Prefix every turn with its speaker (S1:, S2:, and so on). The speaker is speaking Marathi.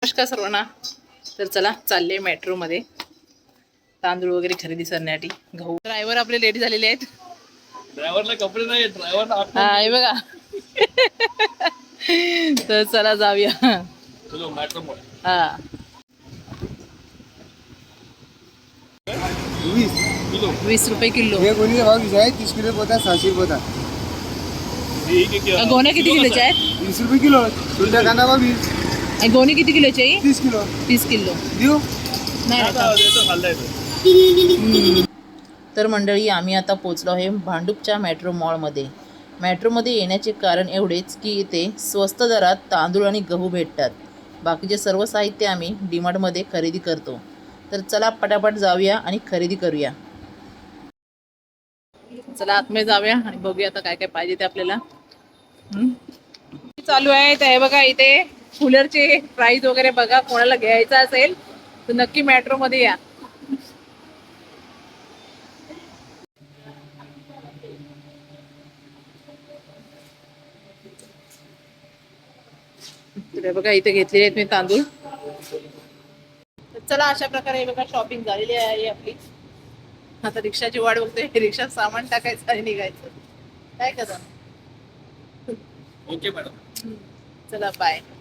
S1: नमस्कार सर्वांना. तर चला चालले मेट्रोमध्ये तांदूळ वगैरे खरेदी करण्यासाठी. गहू. ड्रायव्हर आपले लेट झालेले आहेत.
S2: ड्रायव्हरला कपडे नाही, ड्रायव्हरला
S1: हा हे बघा. तर चला जाऊया.
S2: चलो मेट्रो मोड.
S1: हा 20 रुपये किलो.
S3: हे गोणी भाव आहे 30 किलो पोता 600 पोता.
S1: गोण्या किती किलोच्या आहेत?
S3: 20 रुपये किलो. सुंदर कांदा भाव 20.
S1: आणि गोणी किती किलोची आहे?
S3: 30 किलो.
S1: 30 किलो.
S3: देऊ
S1: नाही आता. तर मंडळी आम्ही आता पोचलो आहे भांडूपच्या मेट्रो मॉलमध्ये. मेट्रोमध्ये येण्याचे कारण एवढेच की इथे स्वस्त दरात तांदूळ आणि गहू भेटतात. बाकीचे सर्व साहित्य आम्ही डीमार्टमध्ये खरेदी करतो. तर चला पटापट जाऊया आणि खरेदी करूया. चला आतमध्ये जाऊया आणि बघूया आता काय काय पाहिजे ते आपल्याला. चालू आहे तर हे बघा इथे कूलरचे प्राइस वगैरे बघा. कोणाला घ्यायचा असेल तर नक्की मेट्रोमध्ये या. तर बघा इथे घेतलेले आहेत मी तांदूळ. तर चला अशा प्रकारे बघा शॉपिंग झालेली आहे आपली. आता रिक्षाची वाट बघते. रिक्षात सामान टाकायचं आणि निघायचं. काय करता?
S2: Okay madam.
S1: चला बाय.